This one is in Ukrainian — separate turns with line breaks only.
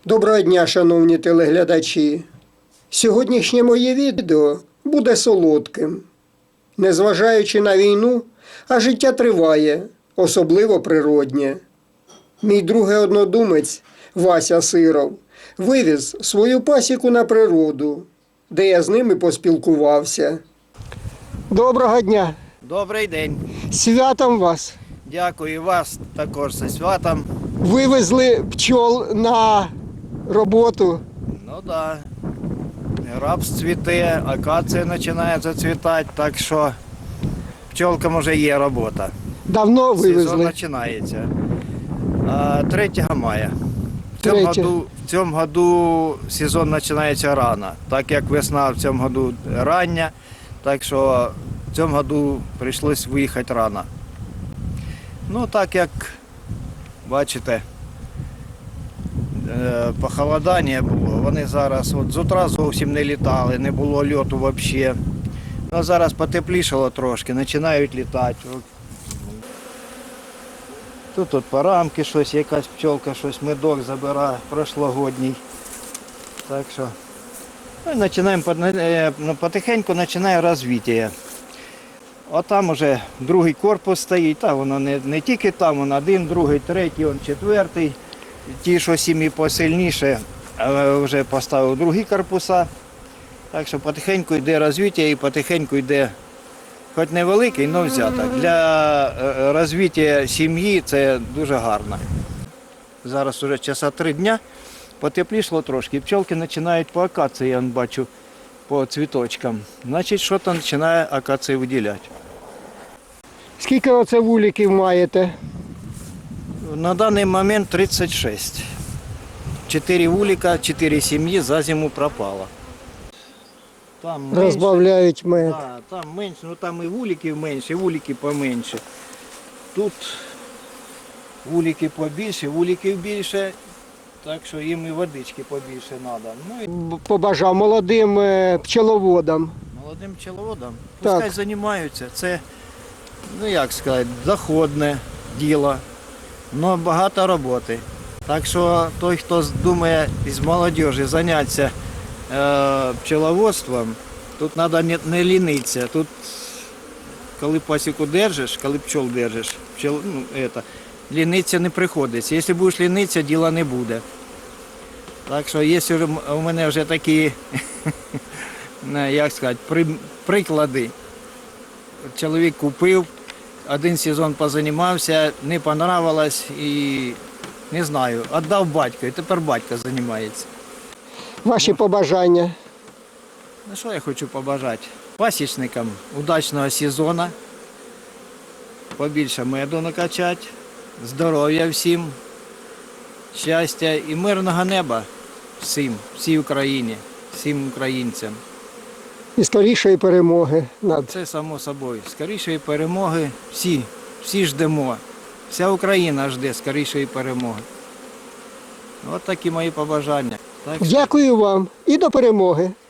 Доброго дня, шановні телеглядачі! Сьогоднішнє моє відео буде солодким. Незважаючи на війну, а життя триває, особливо природнє. Мій другий однодумець Вася Сиров вивіз свою пасіку на природу, де я з ними поспілкувався. Доброго дня!
Добрий день.
Святом вас!
Дякую вас також зі святом.
Вивезли пчол на роботу.
Ну так. Да. Рапс цвіте, акація починає зацвітати, так що пчолкам вже є робота.
Давно вивезли?
Сезон починається. 3 мая. В цьому году сезон починається рано, так як весна в цьому году рання, так що в цьому году прийшлось виїхати рано. Ну так як бачите, похолодання було, вони зараз от з утра зовсім не літали, не було льоту взагалі. Ну, зараз потеплішало трошки, починають літати. Тут от по рамки щось, якась пчолка, щось медок забирає, прошлогодній. Так що потихеньку починає розвиття. От там вже другий корпус стоїть, та воно не тільки там, воно один, другий, третій, четвертий. Ті, що сім'ї посильніше, вже поставив другі корпуса. Так що потихеньку йде розвиття і потихеньку йде, хоч невеликий, але взяток. Для розвиття сім'ї це дуже гарно. Зараз вже часа 3 дня, потеплішало трошки. Пчолки починають по акації, я бачу, по цвіточкам. Значить, щось починає акація виділяти.
Скільки оце вуликів маєте?
На даний момент 36. 4 вулика, 4 сім'ї за зиму пропало. Там менше,
Розбавляють мед.
да, там менше, ну там і вуликів менше, і вулики поменше. Тут вулики побільше, вуликів більше, так що їм і водички побільше треба. Ну,
Побажав молодим пчеловодам.
молодим пчеловодам
Так.
пускай займаються. Це, ну як сказати, доходне діло, але багато роботи. Так що той, хто думає із молодіжі зайнятися пчеловодством, тут треба не лінитися. Тут, коли пасіку держиш, коли пчол держиш, лінитися не приходиться. Якщо будеш лінитися, діла не буде. Так що є у мене вже такі, як сказати, приклади. Чоловік купив, 1 сезон позанімався, не понравилось і, не знаю, віддав батьку, і тепер батько займається.
Ваші побажання?
Ну що я хочу побажати? Пасічникам удачного сезону, побільше меду накачати, здоров'я всім, щастя і мирного неба всій Україні, всім українцям.
І скорішої перемоги над.
Це само собою. Скорішої перемоги всі ждемо. Вся Україна жде скорішої перемоги. От такі мої побажання. Так що...
Дякую вам і до перемоги.